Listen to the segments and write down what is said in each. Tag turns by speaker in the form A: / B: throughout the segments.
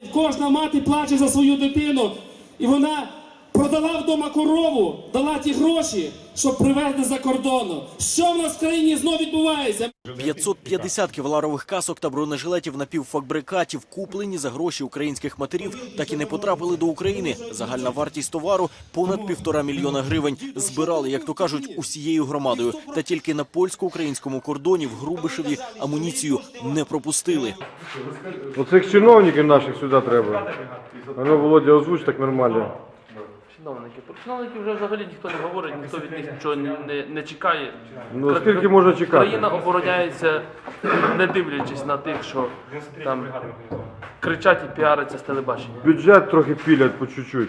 A: Кожна мати плаче за свою дитину, і вона продала вдома корову, дала ті гроші, щоб привезти за кордону. Що в нас в країні знов відбувається?
B: 550 кевларових касок та бронежилетів напівфабрикатів, куплені за гроші українських матерів, так і не потрапили до України. Загальна вартість товару – понад 1,5 мільйона гривень. Збирали, як то кажуть, усією громадою. Та тільки на польсько-українському кордоні в Грубишеві амуніцію не пропустили.
C: Оцих чиновників наших сюди треба. Воно, Володя, озвуч так нормально.
D: Чиновники вже взагалі ніхто не говорить, ніхто від них нічого не чекає.
C: Ну, скільки можна чекати?
D: Країна обороняється, не дивлячись на тих, що там кричать і піаряться з телебачення.
C: Бюджет трохи пілять по чуть-чуть.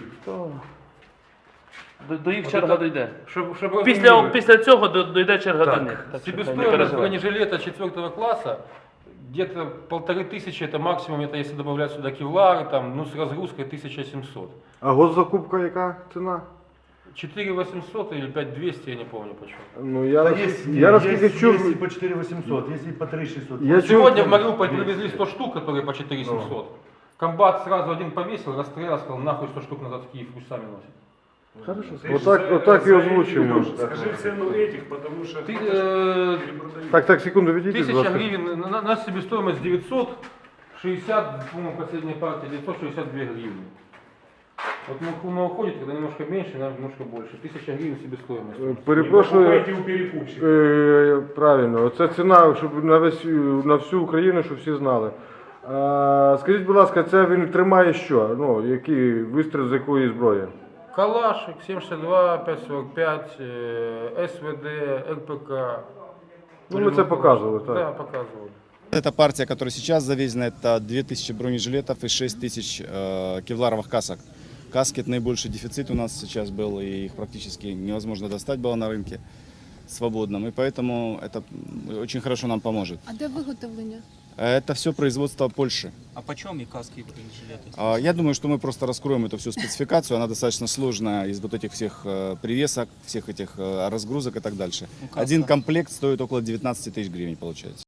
D: До їх черга дійде.
E: Чтобы
D: Після цього дійде черга до них.
E: себестоимость бронежилета 4 класса где-то 1500, это максимум, это если добавлять сюда кевлары, там, ну с разгрузкой 1700.
C: А госзакупка яка ціна?
E: 4800 или 5200, я не помню почему.
C: Ну, я наскільки чув...
F: Есть и по 4800, есть и по 3600.
C: Я чув...
E: Сегодня в Мариуполь привезли 100 штук, которые по 4700. Комбат сразу один повесил, расстрелял, сказал, нахуй 100 штук назад в Киев, пусть сами носят.
C: Отак і озвучуємо.
F: Скажи цену этих, потому что...
C: Так, секунду, відійдіть, будь
E: 1000
C: ласка.
E: гривен, на себестоимость 960, по-моему, последняя партия, 962 гривны. Вот мы уходит, когда немножко меньше, немножко больше. 1000 гривен себестоимость.
C: Перепрошую,
F: у перекупщика.
C: правильно, це ціна, щоб на всю Україну, щоб всі знали. Скажіть, будь ласка, це він тримає що? Ну, який вистріл з якої зброї?
E: Калашик, 762, 545, СВД, РПК.
C: Ну, ми це показували, так.
E: Да, показывали.
G: Эта партия, которая сейчас завезена, это 2000 бронежилетов и 6000 кевларовых касок. Каски – это наибольший дефицит у нас сейчас был, и их практически невозможно достать было на рынке свободном. И поэтому это очень хорошо нам поможет.
H: А де виготовлення?
G: Это все производство Польши.
B: А почем и каски, и бронежилеты?
G: Я думаю, что мы просто раскроем эту всю спецификацию. Она достаточно сложная из вот этих всех привесок, всех этих разгрузок и так дальше. Один комплект стоит около 19 тысяч гривен, получается.